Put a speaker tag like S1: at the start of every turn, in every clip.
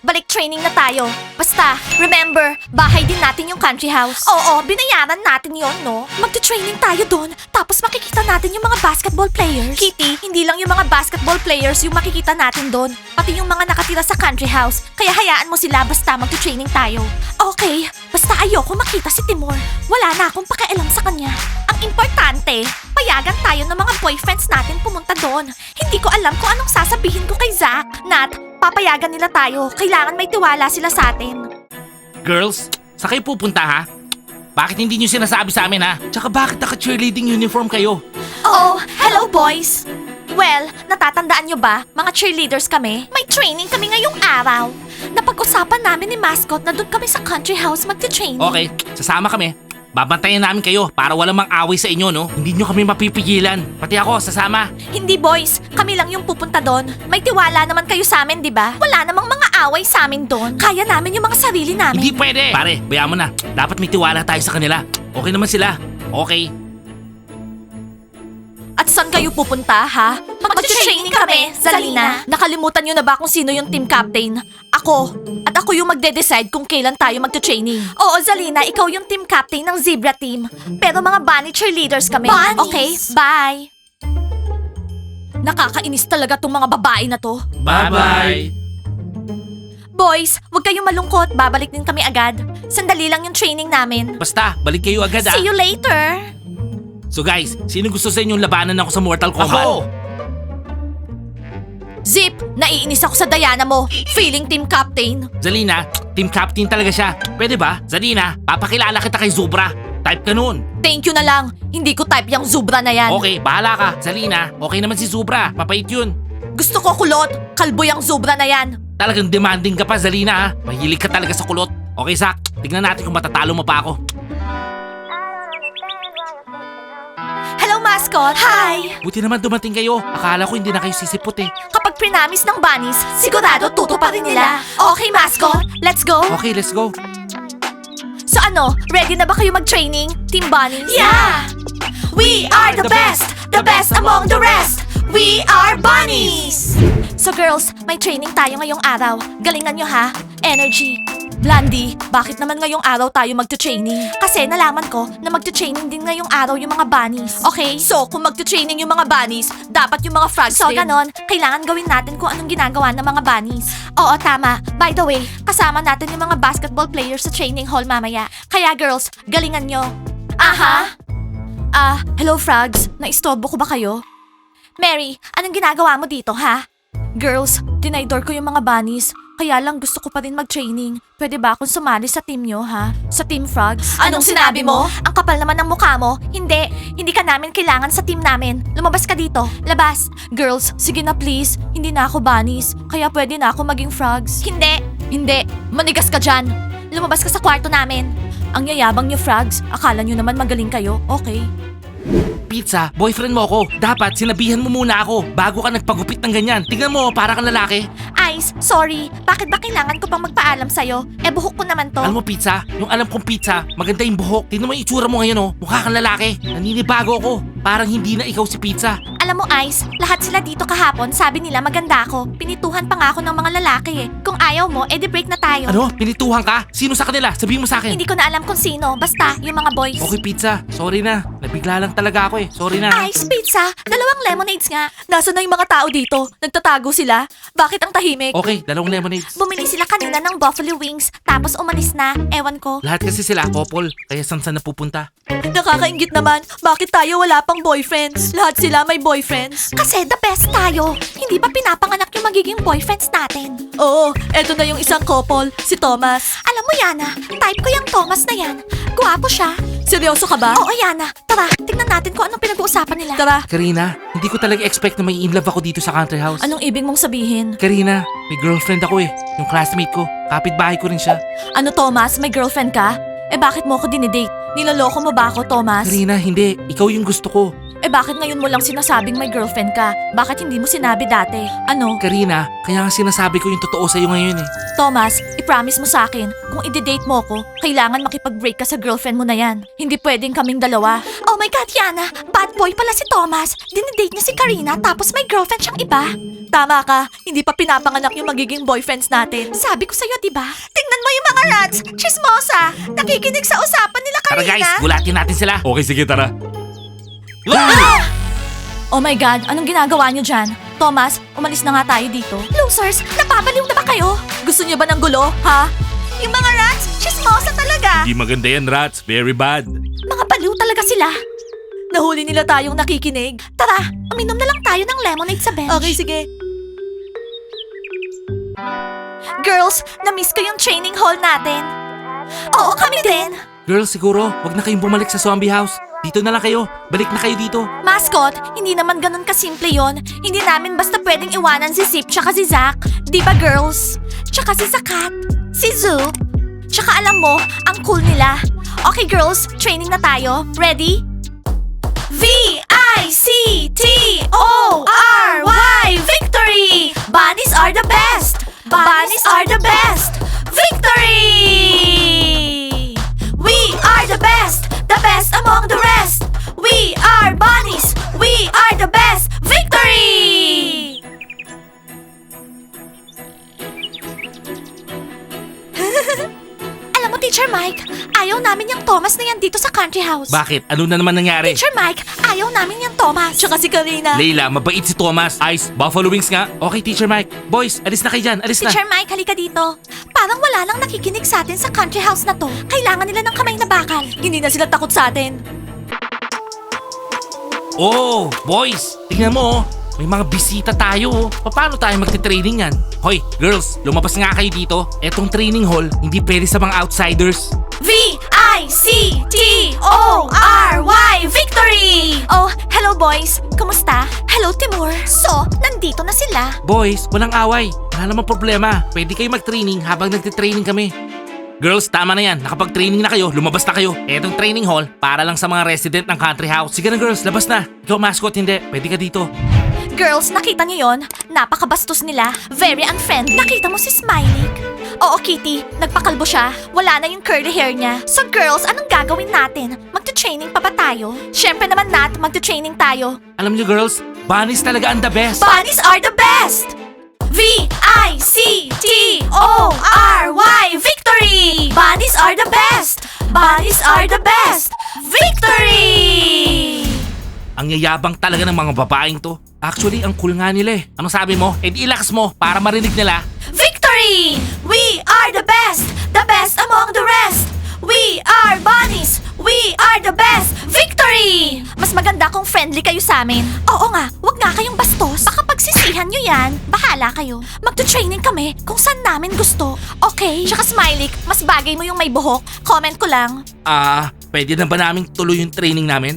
S1: balik training na tayo. Basta, remember, bahay din natin yung country house. Oo, binayaran natin yon, no? Magte-training tayo doon, tapos makikita natin yung mga basketball players. Kitty, hindi lang yung mga basketball players yung makikita natin doon, pati yung mga nakatira sa country house. Kaya hayaan mo sila basta magte-training tayo. Okay, basta ayoko makita si Timur. Wala na akong pakialam sa kanya. Ang importante, payagan tayo ng mga boyfriends natin pumunta doon. Hindi ko alam kung anong sasabihin ko kay Zach. Nat, papayagan nila tayo. Kailangan may tiwala sila sa atin.
S2: Girls, sa kayo pupunta ha? Bakit hindi nyo sinasabi sa amin ha? Tsaka bakit naka-cheerleading uniform kayo?
S1: Oh, hello boys! Well, natatandaan nyo ba? Mga cheerleaders kami. May training kami ngayong araw. Napag-usapan namin ni Mascot na doon kami sa country house magte-training.
S2: Okay, sasama kami. Babantayan namin kayo para walang mang-away sa inyo, no? Hindi nyo kami mapipigilan. Pati ako, sasama.
S1: Hindi boys, kami lang yung pupunta doon. May tiwala naman kayo sa amin, di ba? Wala namang mga away sa amin doon. Kaya namin yung mga sarili namin.
S2: Hindi pwede. Pare, bayaan mo na. Dapat may tiwala tayo sa kanila. Okay naman sila. Okay.
S1: At saan kayo pupunta, ha? Mag-training kami, Zalina. Nakalimutan nyo na ba kung sino yung team captain? Ako. At ako yung magde-decide kung kailan tayo mag-training. Oo, Zalina, ikaw yung team captain ng Zebra team. Pero mga bunny cheerleaders kami.
S3: Bunnies?
S1: Okay, bye. Nakakainis talaga tong mga babae na to.
S2: Bye-bye.
S1: Boys, huwag kayong malungkot. Babalik din kami agad. Sandali lang yung training namin.
S2: Basta, balik kayo agad ha.
S1: See you later.
S2: So guys, sino gusto sa inyong labanan ako sa Mortal Kombat?
S4: Ako!
S1: Zip, naiinis ako sa Diana mo. Feeling team captain.
S2: Zalina, team captain talaga siya. Pwede ba? Zalina, papakilala kita kay Zubra. Type ka nun.
S1: Thank you na lang. Hindi ko type yung Zubra na yan.
S2: Okay, bahala ka. Zalina, okay naman si Zubra. Mapait yun.
S1: Gusto ko kulot. Kalbo yung Zubra na yan.
S2: Talagang demanding ka pa, Zalina ha. Mahilig ka talaga sa kulot. Okay, Zach. Tignan natin kung matatalo mo pa ako.
S1: Hello, mascot. Hi.
S2: Buti naman dumating kayo. Akala ko hindi na kayo sisipot eh.
S1: Kapag prinamis ng bunnies, sigurado tuto pa rin nila. Okay, mascot. Let's go.
S2: Okay, let's go.
S1: So ano, ready na ba kayo mag-training, Team Bunnies?
S3: Yeah!
S1: We are the best among the rest. We are bunnies! So girls, may training tayo ngayong araw. Galingan nyo ha. Energy. Blandy, bakit naman ngayong araw tayo magte-training? Kasi nalaman ko na magte-training din ngayong araw yung mga bunnies. Okay, so kung magte-training yung mga bunnies, dapat yung mga frogs
S3: So,
S1: din. Ganon, kailangan gawin natin kung anong ginagawa ng mga bunnies. Oo, tama. By the way, kasama natin yung mga basketball players sa training hall mamaya. Kaya girls, galingan nyo. Aha! Hello frogs. Naistorbo ko ba kayo? Mary, anong ginagawa mo dito, ha? Girls, dinaydor ko yung mga bunnies. Kaya lang gusto ko pa rin mag-training. Pwede ba akong sumali sa team nyo, ha? Sa Team Frogs?
S3: Anong sinabi mo?
S1: Ang kapal naman ng mukha mo. Hindi ka namin kailangan sa team namin. Lumabas ka dito. Labas. Girls, sige na please. Hindi na ako bunnies. Kaya pwede na ako maging frogs. Hindi. Manigas ka dyan. Lumabas ka sa kwarto namin. Ang yayabang nyo, frogs. Akala nyo naman magaling kayo. Okay.
S2: Pizza, boyfriend mo ako. Dapat sinabihan mo muna ako bago ka nagpagupit ng ganyan. Tingnan mo, para kang lalaki.
S1: Ice, sorry. Bakit ba kailangan ko pang magpaalam sa'yo? Buhok ko naman to.
S2: Alam mo, Pizza, yung alam kong pizza, maganda yung buhok. Tingnan mo yung itsura mo ngayon, oh. Mukha kang lalaki. Naninibago ako. Parang hindi na ikaw si Pizza.
S1: Alam mo, Ice, lahat sila dito kahapon sabi nila maganda ako. Pinituhan pa nga ako ng mga lalaki eh. Kung ayaw mo, edi break na tayo.
S2: Ano? Pinituhan ka? Sino sa kanila? Sabihin mo sa akin.
S1: Hindi ko na alam kung sino. Basta, yung mga boys.
S2: Okay, Pizza. Sorry na. Nabigla lang talaga ako eh. Sorry na.
S1: Ice, pizza, dalawang lemonades nga. Nasaan na yung mga tao dito? Nagtatago sila? Bakit ang tahimik?
S2: Okay, dalawang lemonades.
S1: Bumili sila kanina ng buffalo wings, tapos umalis na. Ewan ko.
S2: Lahat kasi sila couple, kaya saan napupunta?
S1: Nakakaingit naman. Bakit tayo wala pang boyfriends? Lahat sila may boyfriends. Kasi the best tayo. Hindi pa pinapanganak yung magiging boyfriends natin. Oo, eto na yung isang couple, si Thomas. Alam mo, Yana, type ko yung Thomas na yan. Guwapo siya. Seryoso ka ba? Oo, Yana. Tara, tignan natin kung anong pinag-uusapan nila. Tara.
S2: Karina, hindi ko talaga expect na may in love ako dito sa country house.
S1: Anong ibig mong sabihin?
S2: Karina, may girlfriend ako eh. Yung classmate ko. Kapitbahay ko rin siya.
S1: Ano, Thomas? May girlfriend ka? Bakit mo ako dinidate? Niloloko mo ba ako, Thomas?
S2: Karina, hindi. Ikaw yung gusto ko.
S1: Bakit ngayon mo lang sinasabing may girlfriend ka? Bakit hindi mo sinabi dati? Ano?
S2: Karina, kaya nga sinasabi ko yung totoo sa'yo ngayon eh.
S1: Thomas, i-promise mo sa akin, kung i-date mo ko, kailangan makipag-break ka sa girlfriend mo na yan. Hindi pwedeng kaming dalawa. Oh my God, Yana! Bad boy pala si Thomas. Dinidate niya si Karina tapos may girlfriend siyang iba. Tama ka, hindi pa pinapanganak yung magiging boyfriends natin. Sabi ko sa'yo, diba? Tingnan mo yung mga rats, chismosa, nakikinig sa usapan nila
S2: Tara
S1: kanina.
S2: guys, gulatin natin sila.
S3: Okay, sige, tara.
S1: Oh my God, anong ginagawa niyo dyan? Thomas, umalis na nga tayo dito. Losers, napapaliw na ba kayo? Gusto niyo ba ng gulo, ha? Yung mga rats, chismosa talaga.
S3: Di maganda yan, rats. Very bad.
S1: Mga baliw talaga sila. Nahuli nila tayong nakikinig. Tara, uminom na lang tayo ng lemonade sa bench. Okay, sige. Girls, na-miss ko yung training hall natin. Oo, kami din.
S2: Girls, siguro, wag na kayong bumalik sa zombie house. Dito na lang kayo. Balik na kayo dito.
S1: Mascot, hindi naman ganun kasimple yon. Hindi namin basta pwedeng iwanan si Zip tsaka si Zack. Di ba, girls? Tsaka si Zakat, si Zoop. Tsaka alam mo, ang cool nila. Okay, girls, training na tayo. Ready? V-I-C-T-O-R-Y Victory! Bunnies are the best! Bunnies are the best! Victory! We are the best! The best among the rest! We are bunnies! We are the best! Victory! Alam mo, Teacher Mike, ayaw namin yung Thomas na yan dito sa country house.
S2: Bakit? Ano na naman nangyari?
S1: Teacher Mike, ayaw namin yung Thomas. Tsaka si Karina.
S2: Layla, mabait si Thomas. Ice, buffalo wings nga. Okay, Teacher Mike. Boys, alis na kayo dyan. Alis na.
S1: Teacher Mike, halika dito. Parang wala nang nakikinig sa atin sa country house na to. Kailangan nila ng kamay na bakal. Hindi na sila takot sa atin.
S2: Oh, boys, tingnan mo. May mga bisita tayo. Paano tayo magte-training yan? Hoy, girls, lumabas nga kayo dito. Etong training hall, hindi pwede sa mga outsiders.
S1: V-I-C-T-O-R-Y Victory! Oh, hello boys. Kumusta? Hello, Timur. So, nandito na sila.
S2: Boys, walang away. Wala namang problema. Pwede kayo mag-training habang nagte-training kami. Girls, tama na yan. Nakapag-training na kayo, lumabas na kayo. Etong training hall, para lang sa mga resident ng country house. Sige na girls, labas na. Ikaw mascot, hindi. Pwede ka dito.
S1: Girls, nakita niyo yon? Napakabastos nila. Very unfriendly. Nakita mo si Smiley? Oo, Kitty. Nagpakalbo siya. Wala na yung curly hair niya. So girls, anong gagawin natin? Magte-training pa ba tayo? Syempre naman, Nat. Magte-training tayo.
S2: Alam niyo girls, bunnies talaga ang the best.
S1: Bunnies are the best! V-I-C-T-O-R-Y Victory! Bunnies are the best! Bunnies are the best! Victory!
S2: Ang yayabang talaga ng mga babaeng to. Actually, ang cool nga nila eh. Anong sabi mo? E di ilakas mo para marinig nila.
S1: Victory! We are the best! The best among the rest! We are bunnies! We are the best! Victory! Mas maganda kung friendly kayo sa amin. Oo nga, wag nga kayong bastos. Baka pagsisihan nyo yan. Bahala kayo. Magto-training kami kung saan namin gusto. Okay? Tsaka Smiley, mas bagay mo yung may buhok. Comment ko lang.
S2: Pwede na ba naming tuloy yung training namin?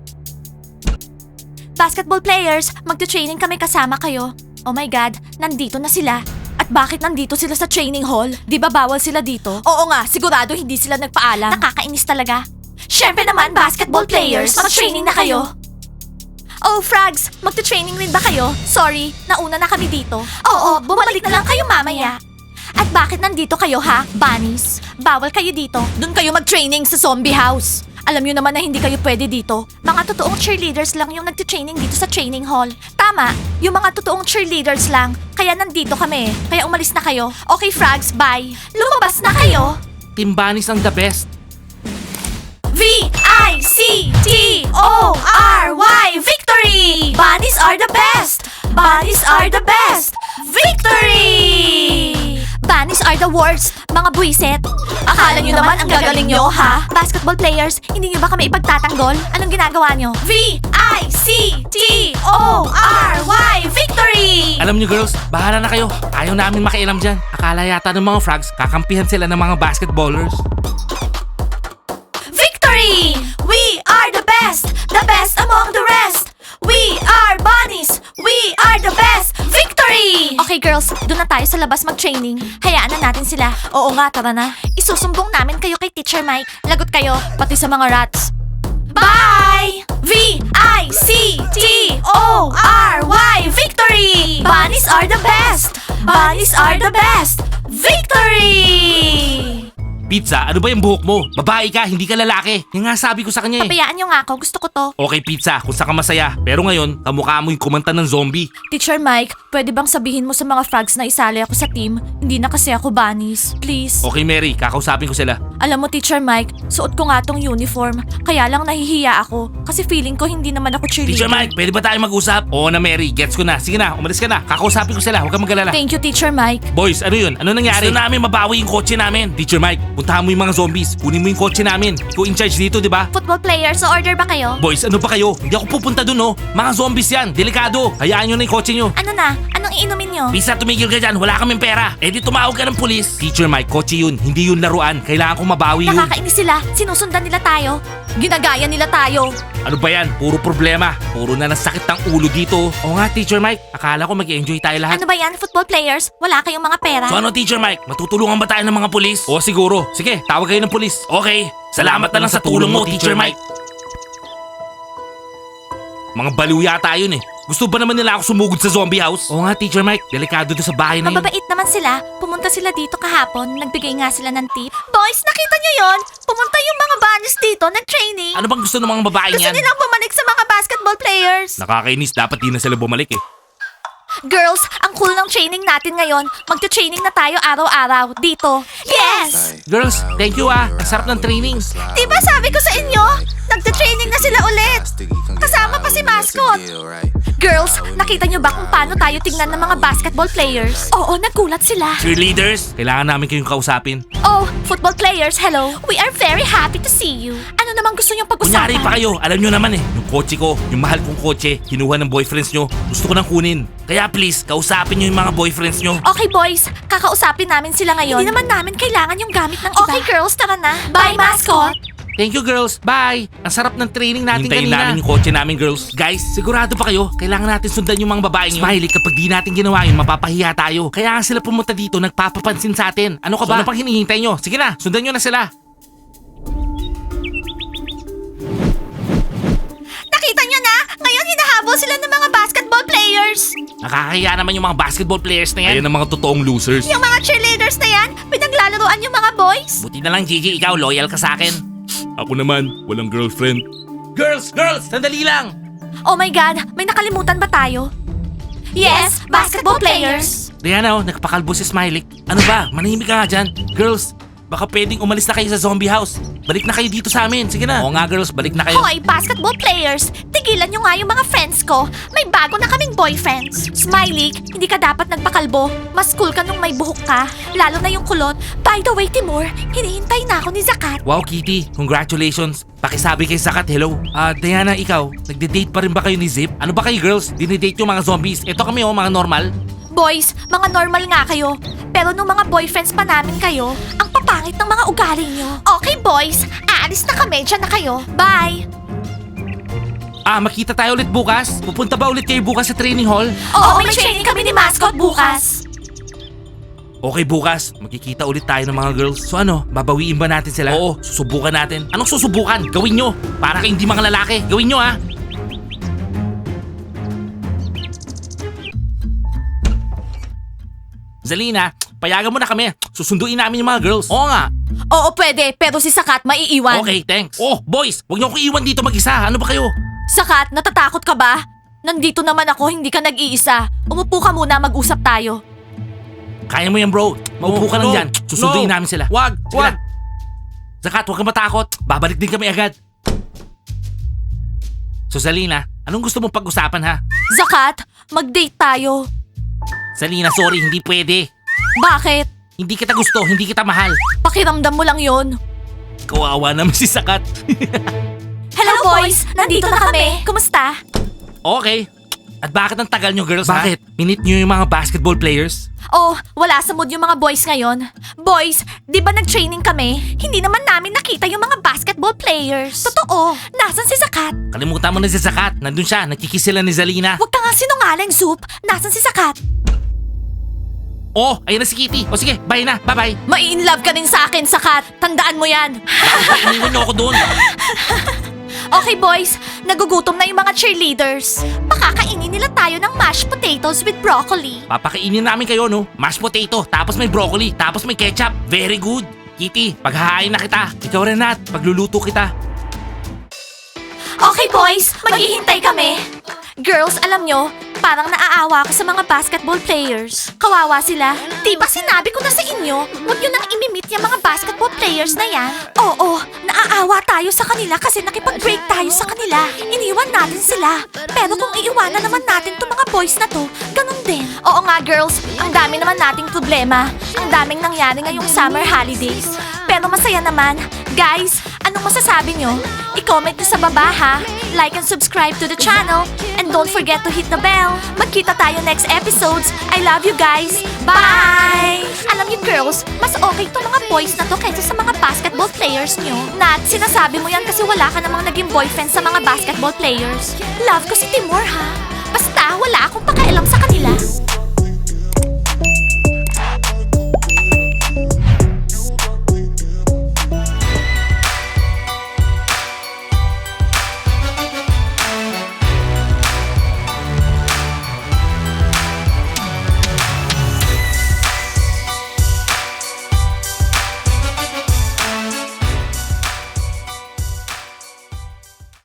S1: Basketball players, magto-training kami kasama kayo. Oh my God, nandito na sila. At bakit nandito sila sa training hall? Di ba bawal sila dito? Oo nga, sigurado hindi sila nagpaalam. Nakakainis talaga. Syempre naman, basketball players, mag-training na kayo. Oh, Frogs, magto-training rin ba kayo? Sorry, nauna na kami dito. Oo, bumalik na lang kayo mamaya. At bakit nandito kayo ha, bunnies? Bawal kayo dito. Doon kayo mag-training sa zombie house. Alam nyo naman na hindi kayo pwede dito. Mga totoong cheerleaders lang yung nagte-training dito sa training hall. Tama, yung mga totoong cheerleaders lang. Kaya nandito kami. Kaya umalis na kayo. Okay, Frogs, bye. Lumabas na kayo.
S2: Team bunnies ang the best.
S1: V-I-C-T-O-R-Y Victory! Bunnies are the best! Bunnies are the best! Victory! Bunnies are the worst, mga buwisit. Akala nyo naman ang gagaling nyo, ha? Basketball players, hindi nyo ba kami ipagtatanggol? Anong ginagawa nyo? V-I-C-T-O-R-Y Victory!
S2: Alam niyo girls, bahala na kayo. Ayaw namin makialam dyan. Akala yata ng mga frogs, kakampihan sila ng mga basketballers.
S1: Victory! We are the best! The best among the rest! We are bunnies! We are the best! Victory! Okay girls, doon na tayo sa labas mag-training. Hayaan na natin sila. Oo nga, tara na. Isusumbong namin kayo kay Teacher Mike. Lagot kayo, pati sa mga rats. Bye! V-I-C-T-O-R-Y Victory! Bunnies are the best! Bunnies are the best! Victory!
S2: Pizza, ano ba yung buhok mo? Babae ka, hindi ka lalaki. Yan nga sabi ko sa kanya eh.
S1: Pabayaan nyo nga ako, gusto ko to.
S2: Okay, Pizza, kung saan ka masaya. Pero ngayon, kamukha mo yung kumanta ng zombie.
S1: Teacher Mike, pwede bang sabihin mo sa mga frogs na isali ako sa team? Hindi na kasi ako bunnies. Please.
S2: Okay, Mary, kakausapin ko sila.
S1: Alam mo, Teacher Mike, suot ko nga tong uniform. Kaya lang nahihiya ako. Kasi feeling ko hindi naman ako cheerleader.
S2: Teacher Mike, pwede ba tayo mag-usap? Oo na, Mary, gets ko na. Sige na, umalis ka na. Kakausapin ko sila, huwag kang mag-alala.
S1: Thank you, Teacher Mike.
S2: Boys, ano yun? Ano nangyari? Gusto namin mabawi yung kotse namin. Teacher Mike, puntahan mo yung mga zombies. Kunin mo yung kotse namin. Ikaw in charge dito, di ba?
S1: Football players, so order ba kayo?
S2: Boys, ano ba kayo? Hindi ako pupunta dun, oh. Mga zombies yan. Delikado. Hayaan nyo na yung kotse nyo.
S1: Ano na? Anong iinumin nyo?
S2: Pisa, tumigil ka dyan. Wala kaming pera. Eh di tumawag ka ng pulis. Teacher Mike, kotse yun. Hindi yun laruan. Kailangan kong mabawi yun.
S1: Nakakainis sila. Sinusundan nila tayo. Ginagaya nila tayo.
S2: Ano ba yan? Puro problema. Puro na nasakit ng ulo dito. Oo nga, Teacher Mike. Akala ko mag-enjoy tayo lahat.
S1: Ano ba yan, football players? Wala kayong mga pera?
S2: So ano, Teacher Mike? Matutulungan ba tayo ng mga pulis? Oo, siguro. Sige, tawag kayo ng pulis. Okay. Salamat na lang sa tulong mo, Teacher Mike. Mga baliw yata yun eh. Gusto ba naman nila ako sumugod sa zombie house? Oo nga, Teacher Mike. Delikado to sa bahay na yun.
S1: Mababait naman sila. Pumunta sila dito kahapon. Nagbigay nga sila ng tip. Boys, nakita nyo yon? Pumunta yung mga bunnies dito, nag-training.
S2: Ano bang gusto ng mga babae
S1: Gusto
S2: niyan?
S1: nilang bumalik sa mga basketball players.
S2: Nakakainis. Dapat di na sila bumalik eh.
S1: Girls, ang cool ng training natin ngayon. Magte-training na tayo araw-araw dito. Yes!
S2: Girls, thank you ah. Ang sarap ng training.
S1: Diba sabi ko sa inyo? Nagte-training na sila ulit. Kasama pa si Mascot. Girls, nakita nyo ba kung paano tayo tingnan ng mga basketball players? Oo, nagulat sila.
S2: Cheerleaders, kailangan namin kayong kausapin.
S1: Oh, football players, hello. We are very happy to see you. Ano namang gusto niyong
S2: Kunyari
S1: pag-usapan?
S2: pa kayo, alam nyo naman eh. Yung kotse ko, yung mahal kong kotse, kinuha ng boyfriends nyo. Gusto ko nang kunin. Kaya please, kausapin nyo yung mga boyfriends nyo.
S1: Okay boys, kakausapin namin sila ngayon. Hindi naman namin kailangan yung gamit ng iba. Okay girls, tara na. Bye, mascot.
S2: Thank you girls, bye! Ang sarap ng training natin
S3: Hintayin
S2: kanina.
S3: namin
S2: yung kotse namin girls. Guys, sigurado pa kayo, kailangan natin sundan yung mga babaeng yun. Smiley, kapag di natin ginawa yun, mapapahiya tayo. Kaya nga sila pumunta dito, nagpapapansin sa atin. Ano ka ba? Ano pang hinihintay nyo? Sige na, sundan nyo na sila.
S1: Nakita niyo na? Ngayon hinahabol sila ng mga basketball players.
S2: Nakakahiya naman yung mga basketball players na yan.
S3: Ayan ang mga totoong losers.
S1: Yung mga cheerleaders na yan, pinaglalaroan yung mga boys.
S2: Buti na lang Gigi, ikaw loyal ka sa akin.
S3: Ako naman, walang girlfriend.
S2: Girls, sandali lang!
S1: Oh my God, may nakalimutan ba tayo? Yes, basketball players.
S2: Diana, nagpakalbo si Smiley. Ano ba? Manahimik ka nga dyan. Girls, baka pwedeng umalis na kayo sa zombie house. Balik na kayo dito sa amin. Sige na. Oo nga girls, balik na kayo.
S1: Hoy, basketball players, tigilan nyo nga yung mga friends ko. May bago na kaming boyfriends. Smiley, hindi ka dapat nagpakalbo. Mas cool ka nung may buhok ka. Lalo na yung kulot. By the way, Timur, hinihintay na ako ni Zakat.
S2: Wow, Kitty. Congratulations. Pakisabi kay Sakat, hello. Diana, ikaw, nagde-date pa rin ba kayo ni Zip? Ano ba kayo girls? Dinidate yung mga zombies. Ito kami mga normal.
S1: Boys, mga normal nga kayo. Pero nung mga boyfriends pa namin kayo, ang papangit ng mga ugali nyo. Okay boys, aalis na kami. Diyan na kayo. Bye!
S2: Makita tayo ulit bukas? Pupunta ba ulit kayo bukas sa training hall?
S1: Oo, may training kami ni Mascot bukas.
S2: Okay, bukas. Magkikita ulit tayo ng mga girls. So ano, babawiin ba natin sila? Oo, susubukan natin. Anong susubukan? Gawin nyo. Para kayong hindi mga lalaki. Gawin nyo Zalina, payagan mo na kami. Susunduin namin yung mga girls. Oo nga.
S1: Oo, pwede. Pero si Sakat maiiwan.
S2: Okay, thanks. Oh, boys, huwag niyo akong iwan dito mag-isa. Ano ba kayo?
S1: Sakat, natatakot ka ba? Nandito naman ako, hindi ka nag-iisa. Umupo ka muna, mag-usap tayo.
S2: Kaya mo yan, bro. Maupo ka lang dyan. Susunduin
S3: No.
S2: namin sila.
S3: Wag,
S2: Sige
S3: wag.
S2: na. Zakat, huwag kang matakot. Babalik din kami agad. So, Zalina, anong gusto mong pag-usapan, ha?
S1: Zakat, mag-date tayo.
S2: Zalina, sorry, hindi pwede.
S1: Bakit?
S2: Hindi kita gusto, hindi kita mahal.
S1: Pakiramdam mo lang yon.
S2: Kawawa naman si Sakat.
S1: Hello boys, nandito na kami. Kumusta?
S2: Okay. At bakit ang tagal nyo, girls, Bakit? Minute nyo yung mga basketball players?
S1: Oh, wala sa mood yung mga boys ngayon. Boys, di ba nag-training kami? Hindi naman namin nakita yung mga basketball players. Totoo. Nasaan si Sakat?
S2: Kalimutan mo na si Sakat. Nandun siya, nagkikis sila ni Zalina.
S1: Huwag ka nga sinungaling, Soup. Nasaan si Sakat?
S2: Oh, ayun na si Kitty. O sige, bye na. Bye-bye.
S1: Mai-inlove ka din sa akin, Sakat. Tandaan mo yan.
S2: Iniwan nyo ako doon.
S1: Okay boys, nagugutom na yung mga cheerleaders. Pakakainin nila tayo ng mashed potatoes with broccoli.
S2: Papakainin namin kayo, no? Mashed potato, tapos may broccoli, tapos may ketchup. Very good. Kitty, paghahain na kita. Ikaw rin, Nat. Pagluluto kita.
S1: Okay boys, maghihintay kami. Girls, alam nyo, parang naaawa ako sa mga basketball players. Kawawa sila. Di ba sinabi ko na sa inyo, huwag nyo nang imimit yung mga basketball players na yan? Oo, naaawa tayo sa kanila kasi nakipag-break tayo sa kanila. Iniwan natin sila. Pero kung iiwanan naman natin itong mga boys na to, ganun din. Oo nga girls, ang dami naman nating problema. Ang daming nangyari ngayong summer holidays. Pero masaya naman. Guys, anong masasabi nyo? I-comment nyo sa baba ha. Like and subscribe to the channel. And don't forget to hit the bell. Magkita tayo next episodes. I love you guys. Bye! Alam niyo girls, mas okay itong mga boys na to kaysa sa mga basketball players nyo. Nat, sinasabi mo yan kasi wala ka namang naging boyfriend sa mga basketball players. Love ko si Timur ha. Basta wala akong pakialam sa kanila.